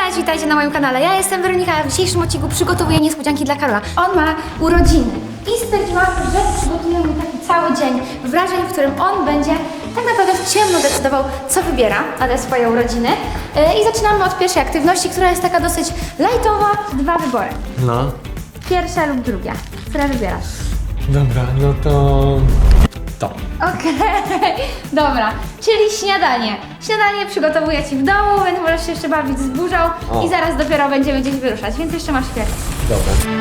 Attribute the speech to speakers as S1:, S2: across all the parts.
S1: Cześć, witajcie na moim kanale. Ja jestem Weronika, a w dzisiejszym odcinku przygotowuję niespodzianki dla Karola. On ma urodziny i stwierdziłam, że przygotuję mu taki cały dzień wrażeń, w którym on będzie tak naprawdę w ciemno decydował, co wybiera na te swoje urodziny. I zaczynamy od pierwszej aktywności, która jest taka dosyć lightowa. Dwa wybory.
S2: No.
S1: Pierwsza lub druga. Które wybierasz?
S2: Dobra, no to...
S1: Okej, dobra, czyli śniadanie. Śniadanie przygotowuję Ci w domu, więc możesz się jeszcze bawić z burzą i zaraz dopiero będziemy gdzieś wyruszać, więc jeszcze masz chwilę.
S2: Dobra.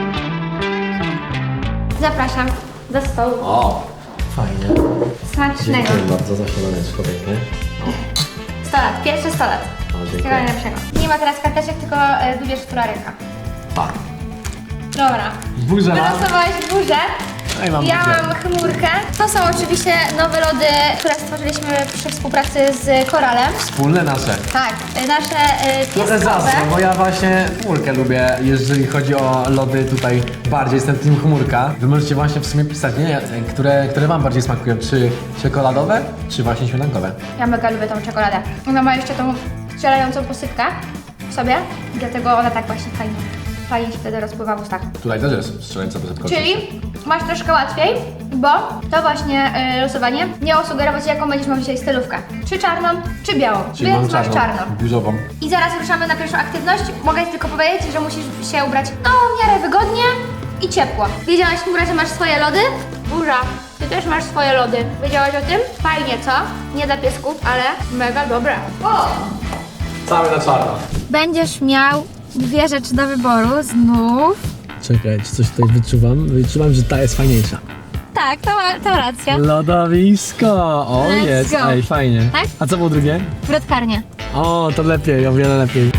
S1: Zapraszam do stołu.
S2: O, fajnie.
S1: Smacznego.
S2: Dziękuję bardzo za śniadaneczko piękne.
S1: 100 lat, pierwszy 100 lat.
S2: O, dziękuję.
S1: Wszystkiego najlepszego. Nie ma teraz karteczek, tylko wybierz, która ręka.
S2: Pa.
S1: Dobra.
S2: Burza mam.
S1: Wylosowałeś burzę.
S2: Ej, mam
S1: Ja
S2: burzę.
S1: mam chmurkę. To są oczywiście nowe lody, które stworzyliśmy przy współpracy z Koralem.
S2: Wspólne nasze.
S1: Tak, nasze
S2: Trochę
S1: pieskowe.
S2: zasnę, bo ja właśnie chmurkę lubię, jeżeli chodzi o lody tutaj bardziej, jestem team chmurka. Wy możecie właśnie w sumie pisać, nie, które wam bardziej smakują, czy czekoladowe, czy właśnie śmietankowe.
S1: Ja mega lubię tą czekoladę. Ona ma jeszcze tą strzelającą posypkę w sobie, dlatego ona tak właśnie fajnie się wtedy rozpływa w ustach.
S2: Tutaj też jest strzelająca pozytkowa.
S1: Czyli masz troszkę łatwiej, bo to właśnie losowanie miało sugerować, jaką będziesz miał dzisiaj stylówkę. Czy czarną, czy białą.
S2: Czyli mam
S1: Więc masz czarną.
S2: burzową.
S1: I zaraz ruszamy na pierwszą aktywność. Mogę Ci tylko powiedzieć, że musisz się ubrać w miarę wygodnie i ciepło. Wiedziałaś, Mura, że masz swoje lody? Burza, Ty też masz swoje lody. Wiedziałaś o tym? Fajnie, co? Nie dla piesków, ale mega dobre. O!
S2: Cały na czarno.
S1: Będziesz miał dwie rzeczy do wyboru znów.
S2: Czekaj, czy coś tutaj wyczuwam? Wyczuwam, że ta jest fajniejsza.
S1: Tak, to racja.
S2: Lodowisko! O,
S1: Let's
S2: jest,
S1: go.
S2: ej, fajnie.
S1: Tak?
S2: A co było drugie?
S1: Wrotkarnia.
S2: O, to lepiej, o wiele lepiej.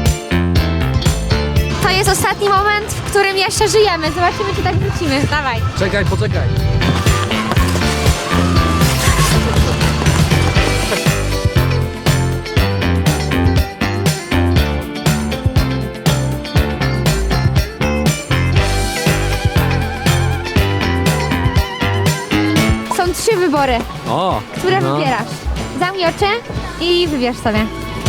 S1: To jest ostatni moment, w którym jeszcze żyjemy. Zobaczymy, czy tak wrócimy. Dawaj.
S2: Czekaj, poczekaj.
S1: Są trzy wybory,
S2: O!
S1: które wybierasz. Zamknij oczy i wybierz sobie.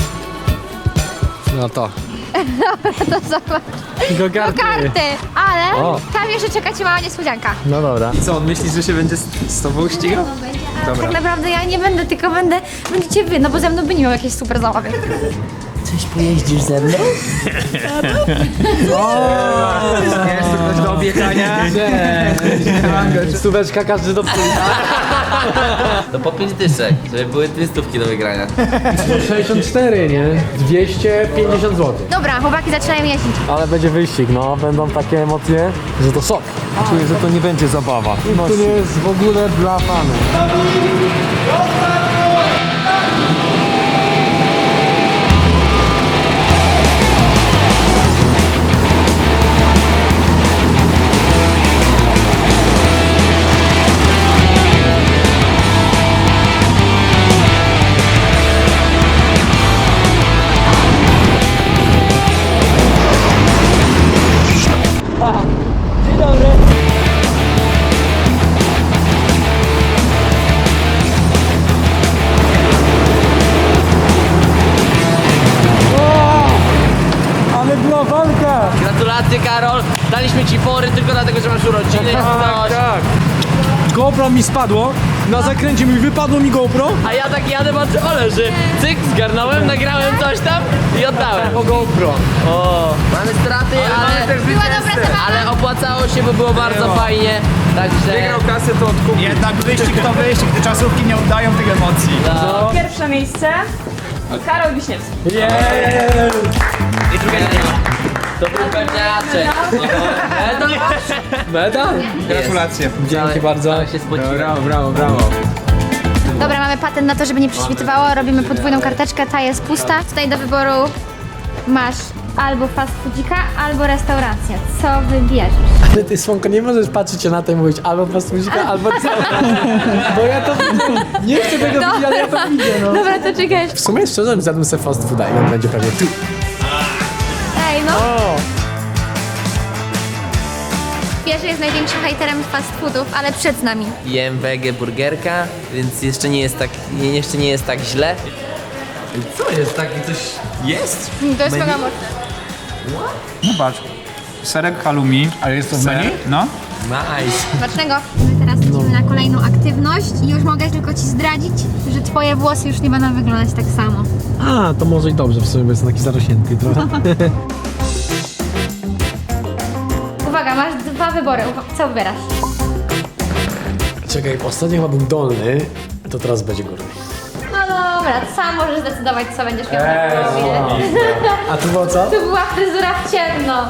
S2: No to.
S1: To zobacz.
S2: Do
S1: Do karty. Ale
S2: O.
S1: tam jeszcze czeka Cię mała niespodzianka.
S2: No dobra.
S3: Co, on myśli, że się będzie z tobą ścigał? Dobra.
S1: Tak naprawdę ja nie będę, tylko będziecie wy, no bo ze mną by nie miał jakiejś super zabawy.
S4: Coś pojeździsz ze mną?
S3: Jest tu ktoś do objechania?
S2: Stóweczka każdy do
S4: To po 5 dyszek, żeby były 2 stówki do wygrania.
S2: 64, nie? 250 zł.
S1: Dobra, chłopaki zaczynają jeździć.
S2: Ale będzie wyścig, no. Będą takie emocje, że to szok.
S3: Czuję, że to nie będzie zabawa.
S2: To nie jest w ogóle dla fanów. Ale była walka!
S4: Gratulacje, Karol! Daliśmy ci fory tylko dlatego, że masz urodziny. Coś.
S3: Tak. GoPro mi spadło, na zakręcie mi wypadło mi GoPro.
S4: A ja tak jadę, patrzę, o leży. Cyk, zgarnąłem, nagrałem coś tam i oddałem.
S3: O GoPro.
S4: O, mamy straty, ale,
S1: Była dobra zabawa.
S4: ale opłacało się, bo było bardzo fajnie. Także...
S3: Wygrał kasę, to odkupił.
S5: Jednak wyścig to wyścig, gdy czasówki nie oddają tych emocji.
S6: Pierwsze miejsce Karol Wiśniewski.
S4: I drugiego nie ma. To był pewniaczek.
S2: Medal?
S3: Gratulacje.
S2: Dzięki bardzo.
S4: Ale się spociłem.
S2: Brawo.
S1: Dobra, mamy patent na to, żeby nie prześwitywało. Robimy podwójną karteczkę, ta jest pusta. Tutaj do wyboru masz albo fast foodzika, albo restaurację. Co wybierzesz?
S2: Ale ty, Słonko, nie możesz patrzeć się na to i mówić albo pastuzika, albo co? Bo ja to nie chcę tego widzieć, ale ja to widzę, no.
S1: Dobra, to czekaj.
S2: W sumie szczerze, zjadłem sobie fast fooda i on będzie pewnie tu.
S1: Ej, no.
S2: O!
S1: Wiesz, że jest największym hejterem fast foodów, ale przed nami.
S4: Jem wege burgerka, więc jeszcze nie jest tak źle. Co jest taki coś
S5: Jest?
S1: To jest mega mocne.
S5: No patrz. Serek halloumi.
S2: Ale jest to w menu?
S5: No.
S2: Nice.
S1: Smacznego. My teraz lecimy na kolejną aktywność i już mogę tylko ci zdradzić, że twoje włosy już nie będą wyglądać tak samo.
S2: A, to może i dobrze w sumie, bo jest taki zarośnięty trochę.
S1: Uwaga, masz dwa wybory. Co wybierasz?
S2: Czekaj, ostatnio chyba był dolny, to teraz będzie górny.
S1: No dobra, sam możesz zdecydować, co będziesz miał na głowie.
S2: A tu było co?
S1: To była fryzura w ciemno.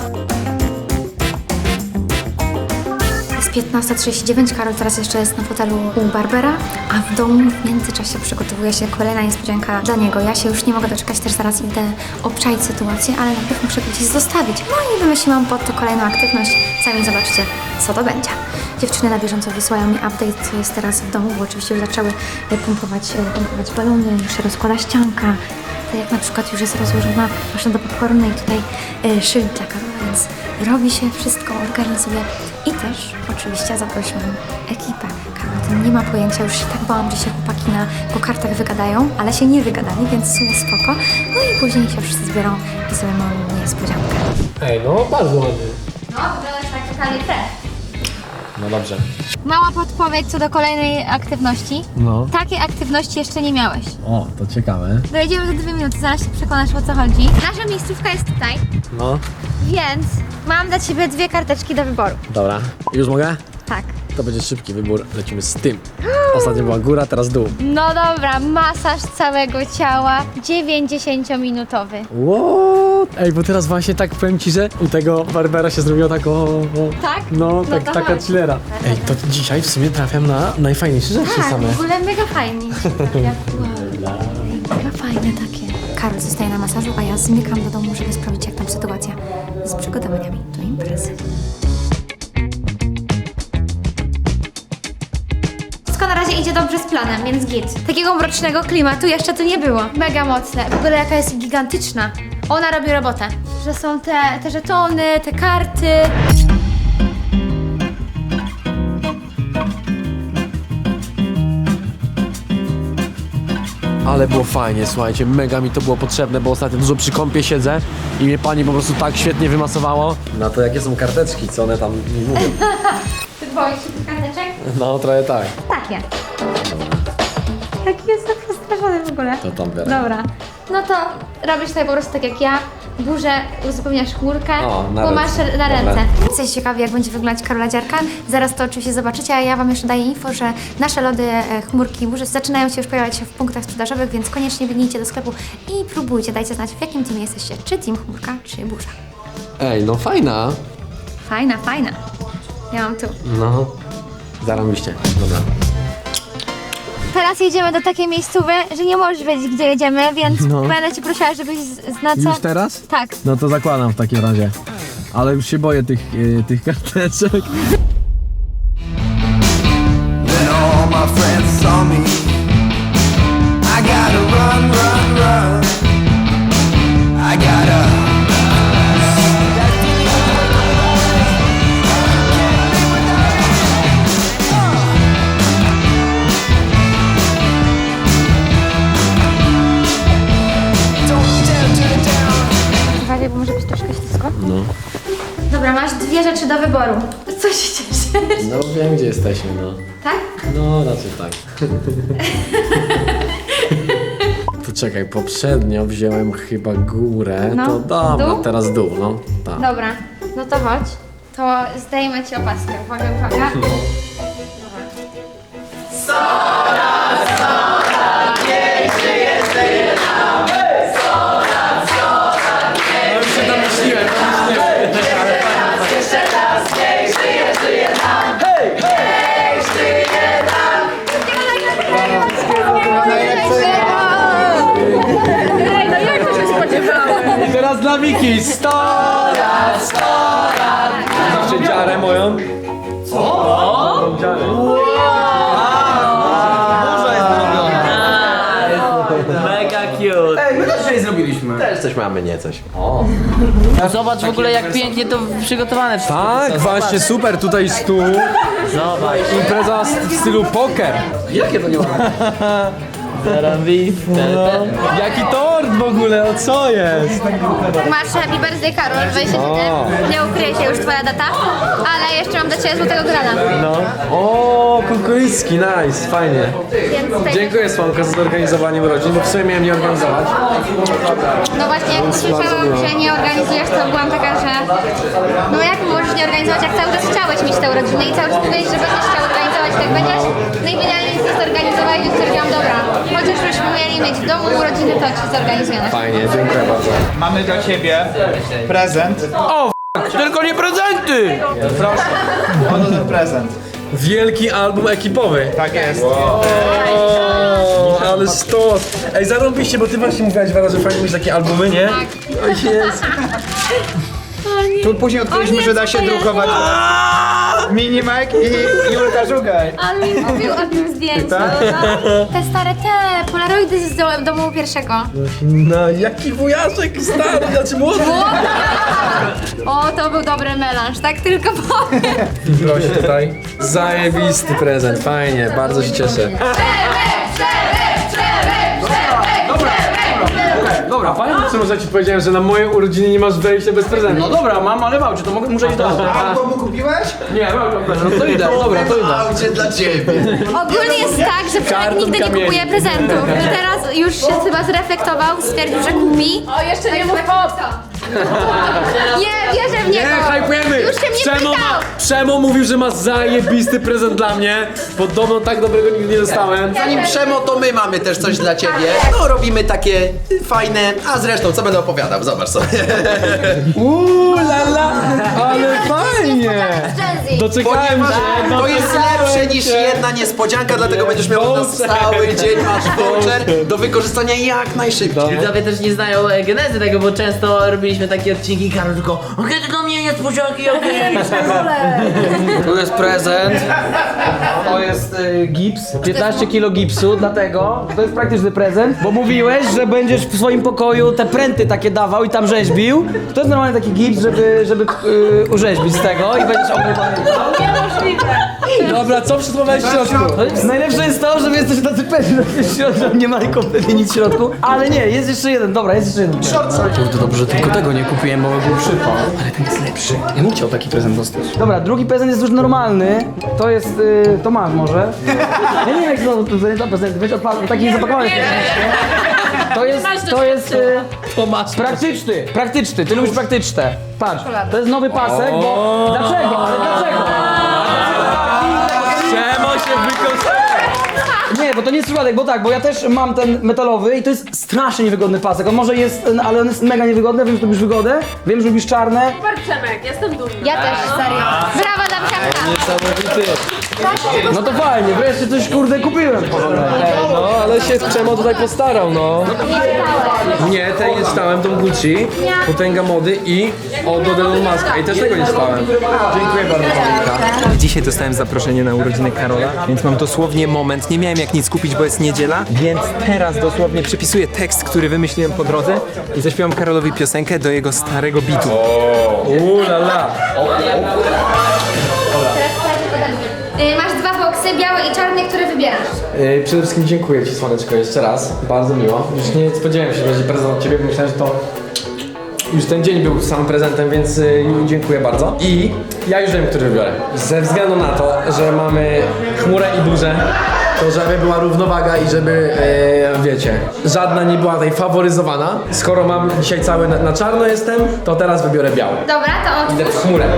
S1: Jest 15:39, Karol teraz jeszcze jest na fotelu u Barbera, a w domu w międzyczasie przygotowuje się kolejna niespodzianka dla niego. Ja się już nie mogę doczekać, też zaraz idę obczaić sytuację, ale najpierw muszę gdzieś zostawić. No i wymyśliłam pod to kolejną aktywność. Sami zobaczcie, co to będzie. Dziewczyny na bieżąco wysyłają mi update, co jest teraz w domu, bo oczywiście już zaczęły pompować balony, już się rozkłada ścianka. Tak jak na przykład już jest rozłożona maszyna do popcornu i tutaj szyld dla Karola, więc robi się wszystko, organizuje. I też oczywiście zaprosiłam ekipę. Karol o tym nie ma pojęcia, już się tak bałam, że się chłopaki po kartach wygadają, ale się nie wygadali, więc w sumie spoko. No i później się wszyscy zbiorą i sobie mamy niespodziankę.
S2: Ej, no bardzo ładny.
S1: No, wyglądasz tak totalnie fresh.
S2: No dobrze.
S1: Mała podpowiedź co do kolejnej aktywności.
S2: No.
S1: Takiej aktywności jeszcze nie miałeś.
S2: O, to ciekawe.
S1: Dojedziemy za 2 minuty, zaraz się przekonasz, o co chodzi. Nasza miejscówka jest tutaj,
S2: No,
S1: więc mam dla Ciebie 2 karteczki do wyboru.
S2: dobra. Już mogę?
S1: Tak.
S2: To będzie szybki wybór, lecimy z tym. Ostatnio była góra, teraz dół.
S1: No dobra, masaż całego ciała 90-minutowy.
S2: What? Ej, bo teraz właśnie tak powiem ci, że u tego Barbera się zrobiło tak
S1: Tak?
S2: No, tak,
S1: to
S2: taka
S1: chodź.
S2: chillera. Ej, to dzisiaj w sumie trafiam na najfajniejsze rzeczy
S1: Tak,
S2: same.
S1: w ogóle mega fajnie. Mega fajne takie. Karol zostaje na masażu, a ja zmykam do domu, żeby sprawdzić, jak tam sytuacja z przygotowaniami do imprezy. Wszystko na razie idzie dobrze z planem, więc git. Takiego mrocznego klimatu jeszcze tu nie było. Mega mocne. W ogóle jaka jest gigantyczna. Ona robi robotę. Że są te żetony, te karty.
S2: Ale było fajnie, słuchajcie, mega mi to było potrzebne, bo ostatnio dużo przy kąpie siedzę i mnie pani po prostu tak świetnie wymasowało. Na to jakie są karteczki, co one tam mi mówią.
S1: Ty boisz się tych karteczek?
S2: No, trochę tak.
S1: Takie. Jaki jest tak przestraszony w ogóle.
S2: To tam biorę.
S1: Dobra. No to robisz sobie po prostu tak jak ja. Burzę uzupełniasz chmurkę,
S2: O, na
S1: bo masz
S2: ręce.
S1: na
S2: Dobra.
S1: ręce. Jesteście ciekawi, jak będzie wyglądać Karola dziarka? Zaraz to oczywiście zobaczycie, a ja Wam jeszcze daję info, że nasze lody, chmurki i burze zaczynają się już pojawiać w punktach sprzedażowych, więc koniecznie biegnijcie do sklepu i próbujcie. Dajcie znać, w jakim teamie jesteście. Czy team chmurka, czy burza.
S2: Ej, no fajna.
S1: Fajna, fajna. Ja mam tu.
S2: No, zarobiście. Dobra.
S1: Teraz jedziemy do takiej miejscowy, że nie możesz wiedzieć, gdzie jedziemy, więc
S2: No.
S1: będę Cię prosiła, żebyś na co...
S2: Już teraz?
S1: Tak.
S2: No to zakładam w takim razie. Ale już się boję tych karteczek.
S7: Then all my friends saw me. I gotta run, run, run. I gotta.
S1: Uważaj, bo może być troszkę ślisko.
S2: No.
S1: Dobra, masz 2 rzeczy do wyboru. Co się cieszysz?
S2: No wiem, gdzie jesteśmy, no.
S1: Tak?
S2: No, raczej tak. To czekaj, poprzednio wziąłem chyba górę,
S1: No,
S2: to dobra,
S1: dół?
S2: teraz dół, no. Tak.
S1: Dobra, no to chodź. To zdejmę Ci opaskę. Uwaga, uwaga.
S3: I teraz dla Wiki 100 lat, 100 lat. Zawsze dziarę moją. Co? Dziarę.
S4: Mega cute.
S5: Ej, my też dzisiaj zrobiliśmy.
S2: Też coś mamy, nie coś.
S4: Zobacz w ogóle jak pięknie to przygotowane wszystko.
S3: Tak, właśnie super, tutaj stół.
S4: Zobacz.
S3: Impreza w stylu poker.
S2: Jakie to nie ma?
S4: Zarąbiste.
S3: Jaki tort w ogóle, o co jest?
S1: Masz Happy Birthday Karol, 27. Nie ukryje się już twoja data, ale jeszcze mam dla ciebie złotego grana.
S2: No. O, kukurycki, nice, fajnie.
S1: Więc tutaj
S2: Dziękuję Słonko za zorganizowanie urodzin, bo w sumie miałem nie organizować.
S1: No właśnie, jak słyszałam, że nie organizujesz, to byłam taka, że no jak możesz nie organizować, jak cały czas chciałeś mieć te urodziny i cały czas mówiłeś, że będziesz chciał organizować, tak będziesz. No i finalnie to zorganizowałeś, więc stwierdziłam, dobra, chociaż byśmy mieli mieć w domu urodziny, to ci zorganizujemy.
S2: Fajnie, dziękuję bardzo.
S5: Mamy dla ciebie prezent.
S4: Tylko nie prezenty!
S5: Proszę, oto ten prezent.
S2: Wielki album ekipowy.
S5: Tak jest.
S2: O, ale stos. Ej, zarąbiście, bo ty właśnie mówiłaś Wera, że fajnie mieć takie albumy, nie? Tak. O jest.
S5: Tu później odkryliśmy, że da się drukować Minimek i Julka Żugaj.
S1: On mi mówił o tym zdjęciu.
S5: Tak?
S1: Te stare, te polaroidy z domu pierwszego.
S2: No, jaki wujaszek stary, znaczy młody.
S1: O, to był dobry melanż, tak tylko powiem.
S2: Proszę tutaj. Zajebisty prezent, fajnie, bardzo się cieszę. Dobra, fajnie, że ci powiedziałem, że na moje urodziny nie masz wejścia bez prezentu.
S4: No dobra, mam, ale czy to muszę iść do
S5: Albo mu kupiłeś?
S4: Nie, no to idę, dobra, to idę.
S7: Aucie dla ciebie.
S1: Ogólnie jest tak, że Przemek nigdy nie kupuje prezentów. I teraz już się chyba zreflektował, stwierdził, że kupi.
S6: O, jeszcze nie mów hop!
S1: Nie, wierzę w niego.
S2: Nie, hypujemy!
S1: Już się mnie pytał.
S2: Przemo mówił, że ma zajebisty prezent dla mnie. Podobno tak dobrego nigdy nie dostałem.
S7: Zanim Przemo, to my mamy też coś dla ciebie. No, robimy takie fajne, a zresztą co będę opowiadał, zobacz sobie.
S2: Lala, ale fajnie! Doczekałem się.
S7: To jest lepsze niż jedna niespodzianka, dlatego będziesz miał na cały dzień, masz voucher do wykorzystania jak najszybciej.
S4: Widzowie też nie znają genezy tego, bo często robiliśmy takie odcinki i Karol tylko okej, to do mnie niespodzianki, okej. Tu jest prezent. To jest gips. 15 kg gipsu, dlatego to jest praktyczny prezent, bo mówiłeś, że będziesz w swoim pokoju te pręty takie dawał i tam rzeźbił. To jest normalnie taki gips, żeby urzeźbić z tego i będziesz obrywany.
S6: Niemożliwe!
S2: Dobra, co przysłowałeś w środku?
S4: Najlepsze jest to, że wy jesteście tacy pewni, że w środku nie ma kompletnie nic w środku. Ale nie, jest jeszcze jeden, dobra, jest jeszcze jeden.
S8: To dobrze, że tylko tego nie kupiłem, bo był przypał. Ale ten jest lepszy. Ja bym chciał taki prezent dostać.
S4: Dobra, drugi prezent jest już normalny. To jest, to masz może. Ja nie wiem jak to prezent, weź odpal, taki zapakowany. To jest praktyczny, ty lubisz praktyczne. Patrz, to jest nowy pasek, bo... Dlaczego? Ale dlaczego?
S2: Przemo się wykorzystał.
S4: Nie, bo to nie jest przypadek, bo ja też mam ten metalowy i to jest strasznie niewygodny pasek. On może jest, ale on jest mega niewygodny, wiem, że lubisz wygodę, wiem, że lubisz czarne.
S6: Super Przemek, jestem dumna.
S1: Ja też, serio. Brawa dla Przemka.
S2: Niesamowity.
S4: No to fajnie, wreszcie coś kurde kupiłem.
S2: No, ale się Przemo tutaj postarał, no. Nie, tej nie czytałem, Don Gucci, Potęga Mody i od Elon Muska. I też tego nie czytałem. Dziękuję bardzo, Paulika.
S9: Dzisiaj dostałem zaproszenie na urodziny Karola, więc mam dosłownie moment. Nie miałem jak nic kupić, bo jest niedziela, więc teraz dosłownie przepisuję tekst, który wymyśliłem po drodze i zaśpiewam Karolowi piosenkę do jego starego bitu.
S2: Lala.
S1: Masz dwa boksy, biały i czarny, które wybierasz.
S2: Przede wszystkim dziękuję Ci, Słoneczko, jeszcze raz. Bardzo miło. Już nie spodziewałem się, że będzie prezent od Ciebie, bo myślałem, że to już ten dzień był samym prezentem, więc dziękuję bardzo. I ja już wiem, który wybiorę. Ze względu na to, że mamy chmurę i burzę, to żeby była równowaga i żeby, wiecie, żadna nie była tutaj faworyzowana. Skoro mam dzisiaj cały na czarno jestem, to teraz wybiorę biały.
S1: Dobra, to
S2: Idę
S1: otwórz.
S2: w chmurę.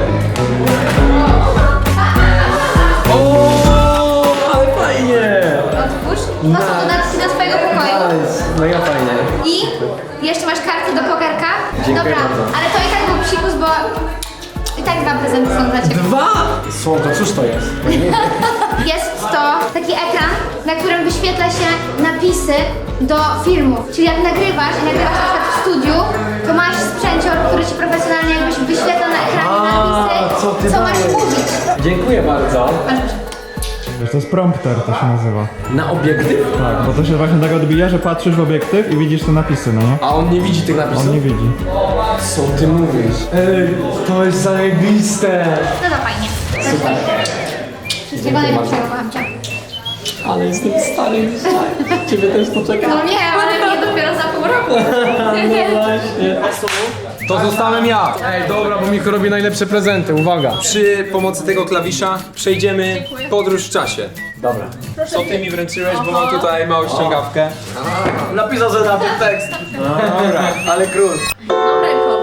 S2: O, ale fajnie!
S1: Otwórz. To są dodatki do twojego pokoju.
S2: Nice, mega fajnie.
S1: I jeszcze masz karty do pokerka.
S2: Dziękuję
S1: Dobra,
S2: bardzo.
S1: ale to i tak był psikus, bo i tak dwa prezenty są dla ciebie.
S2: Dwa! Słonko, cóż to jest?
S1: Jest to taki ekran, na którym wyświetla się napisy do filmów. Czyli jak nagrywasz i nagrywasz na przykład w studiu, to masz sprzęcior, który ci profesjonalnie jakbyś wyświetla na ekranie napisy,
S2: co ty
S1: masz
S2: dajesz?
S1: mówić.
S2: Dziękuję bardzo.
S10: To jest prompter, to się nazywa.
S2: Na obiektyw?
S10: Tak, bo to się właśnie tak odbija, że patrzysz w obiektyw i widzisz te napisy, no nie?
S2: A on nie widzi tych napisów?
S10: On nie widzi.
S2: Co ty mówisz? Ej, to jest zajebiste!
S1: No to fajnie. Super. Wszystkiego najlepszego, kocham cię.
S8: Ale jestem stary już. Ciebie też poczekam.
S1: No nie, ale nie dopiero za pół roku.
S8: Właśnie.
S3: To zostałem ja. Ej, dobra, bo Michu robi najlepsze prezenty, uwaga.
S9: Przy pomocy tego klawisza przejdziemy podróż w czasie. Dobra. Co ty mi wręczyłeś, bo mam tutaj małą ściągawkę.
S4: Napisał sobie na tym tekst.
S9: Dobra.
S4: Ale król.
S6: No ręką.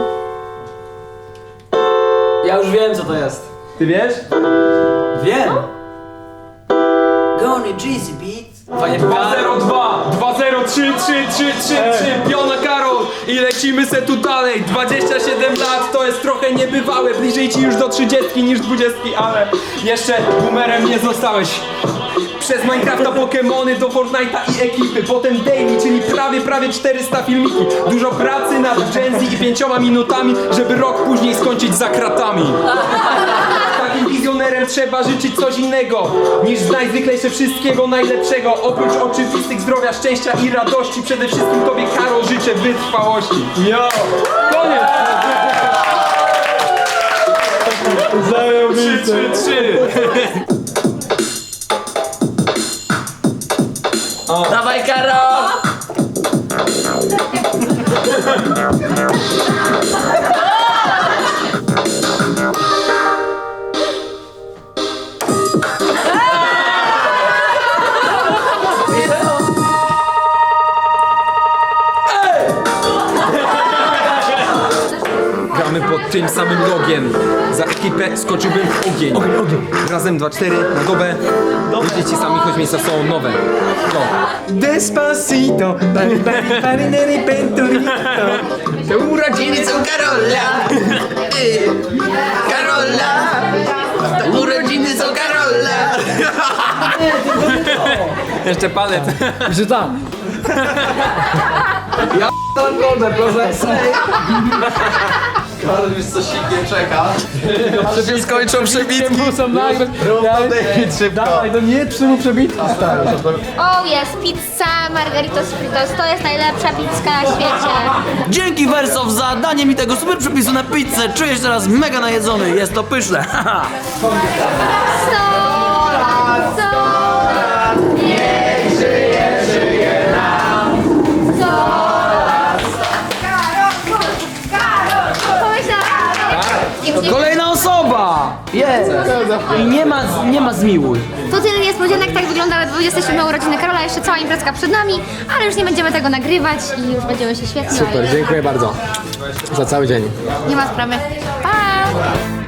S4: Ja już wiem co to jest.
S9: Ty wiesz?
S4: Wiem. Gony Jeezy Beat. Fajnie
S3: 202, 203, 3, Piona Karol i lecimy se tu dalej. 27 lat to jest trochę niebywałe, bliżej ci już do 30 niż 20, ale jeszcze boomerem nie zostałeś. Przez Minecrafta, Pokemony do Fortnite'a i ekipy, potem daily, czyli prawie 400 filmiki. Dużo pracy nad Gen Z i 5 minutami, żeby rok później skończyć za kratami. Takim wizjonerem trzeba życzyć coś innego niż najzwyklejsze wszystkiego najlepszego. Oprócz oczywistych zdrowia, szczęścia i radości, przede wszystkim tobie, Karol, życzę wytrwałości. Jo! Koniec! Zajebiste! 3.
S4: Dawaj Karol!
S9: Gramy pod tym samym logiem. Za ekipę skoczyłbym w ogień. Razem 2-4 na dobę. Będziecie sami, choć miejsca są nowe. No. Despacito.
S7: Te urodziny są Karola. Karola. Te urodziny są Karola.
S9: Jeszcze palet.
S3: Że tam.
S7: Karol już coś nie czeka. Że się skończą przebitki.
S3: Muszą nagrać. Dawaj, to nie trzy mu przebitki, stary.
S1: O, jest pizza Margaritos Fritos. To jest najlepsza pizza na świecie.
S4: Dzięki Wersow za danie mi tego super przepisu na pizzę. Czuję się teraz mega najedzony. Jest to pyszne.
S1: 100 lat, 100 lat, niech żyje nam. 100 lat, Karol, pomyślałam.
S4: Kolejna osoba! Jest! I nie ma zmiłuj.
S1: To tyle niespodzianek, tak wyglądały 27 urodziny Karola, jeszcze cała imprezka przed nami, ale już nie będziemy tego nagrywać i już będziemy się świetnie
S2: Super,
S1: bawić.
S2: dziękuję bardzo za cały dzień.
S1: Nie ma sprawy. Pa!